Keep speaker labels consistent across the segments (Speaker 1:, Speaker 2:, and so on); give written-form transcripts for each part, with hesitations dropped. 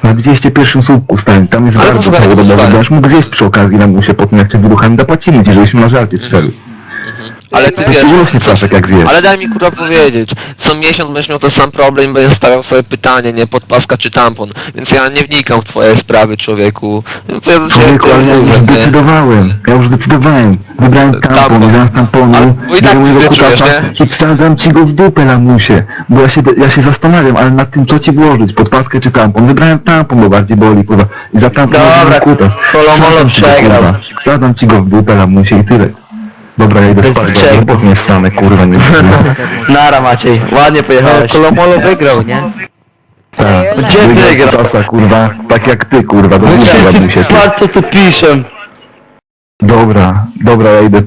Speaker 1: Na 201 słupku stań, tam jest
Speaker 2: Ale
Speaker 1: bardzo
Speaker 2: posłuchaj,
Speaker 1: całodobowy,
Speaker 2: posłuchaj.
Speaker 1: będziesz mógł zjeść przy okazji na musie po tym jak cię wyruchami, dopłacimy ci, żebyśmy na żarcie strzeli.
Speaker 2: Ale ty
Speaker 1: To
Speaker 2: wiesz,
Speaker 1: się urośnie ptaszek jak zjesz.
Speaker 2: ale daj mi kurwa powiedzieć, co miesiąc będziesz miał ten sam problem i będziesz stawiał sobie pytanie, nie, podpaska czy tampon, więc ja nie wnikam w twoje sprawy, człowieku.
Speaker 1: Człowieku, ale ja już zdecydowałem, wybrałem tampon, wybrałem tamponu,
Speaker 2: Ale- bo i tak
Speaker 1: biorę mojego
Speaker 2: ty czujesz,
Speaker 1: kutasa i wsadzam ci go w dupę, lamusie, bo ja się zastanawiam, ale nad tym co ci włożyć, podpaskę czy tampon, wybrałem tampon, bo bardziej boli, kurwa, i za tampon
Speaker 3: Dobra,
Speaker 1: wziąłem kutas.
Speaker 3: Kolomolo
Speaker 1: Wsadzam ci go,
Speaker 3: przegrał.
Speaker 1: kurwa, wsadzam ci go w dupę, lamusie i tyle. Dobra, ja idę spać,
Speaker 3: Przegrał.
Speaker 1: bo nie wstanę, kurwa, nie wstanę.
Speaker 3: Nara Maciej, ładnie pojechałeś.
Speaker 4: Kolomolo wygrał, nie?
Speaker 1: Tak,
Speaker 3: Gdzie wygrał?
Speaker 1: kutasa, kurwa, tak jak ty, kurwa, do dupy, lamusie.
Speaker 3: Patrz co tu piszę.
Speaker 1: Dobra, ja idę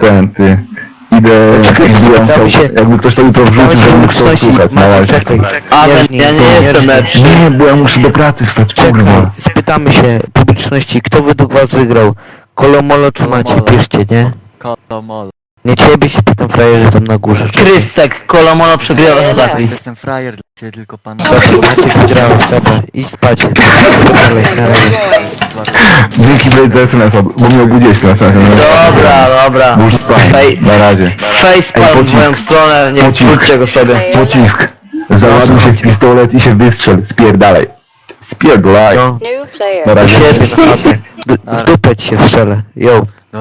Speaker 1: wbijam
Speaker 4: tam
Speaker 1: to,
Speaker 4: się-
Speaker 1: jakby ktoś to jutro wrzucił, żeby mógł to słuchać, na razie.
Speaker 4: Czekaj,
Speaker 3: A ja nie jestem lepszy.
Speaker 1: Nie, bo ja muszę do pracy stać, kurwa.
Speaker 4: spytamy się publiczności, kto według was wygrał? Kolomolo czy Maciej? Piszcie, nie?
Speaker 5: Kolomolo.
Speaker 4: Nie ciebie się pytam, frajerze tam na górze.
Speaker 3: Krystek, Kolomolo przegrywa za Zakli.
Speaker 5: Jestem frajer dla ciebie, tylko pan...
Speaker 4: Maciej wygrałeś, dobra, idź spać. Dalej, na razie.
Speaker 1: Dzięki Blade za SMS, bo mnie obudziłeś na SMS.
Speaker 3: Dobra.
Speaker 1: Już spać, na razie.
Speaker 3: Facepalm w moją stronę, nie
Speaker 1: Pocisk.
Speaker 3: wróćcie go sobie.
Speaker 1: Pocisk. Załaduj się w pistolet i się wystrzel. Spierdalaj. Spierdalaj.
Speaker 4: No,
Speaker 1: Na razie.
Speaker 4: świetnie, naprawdę. W dupę ci się strzelę. Yo.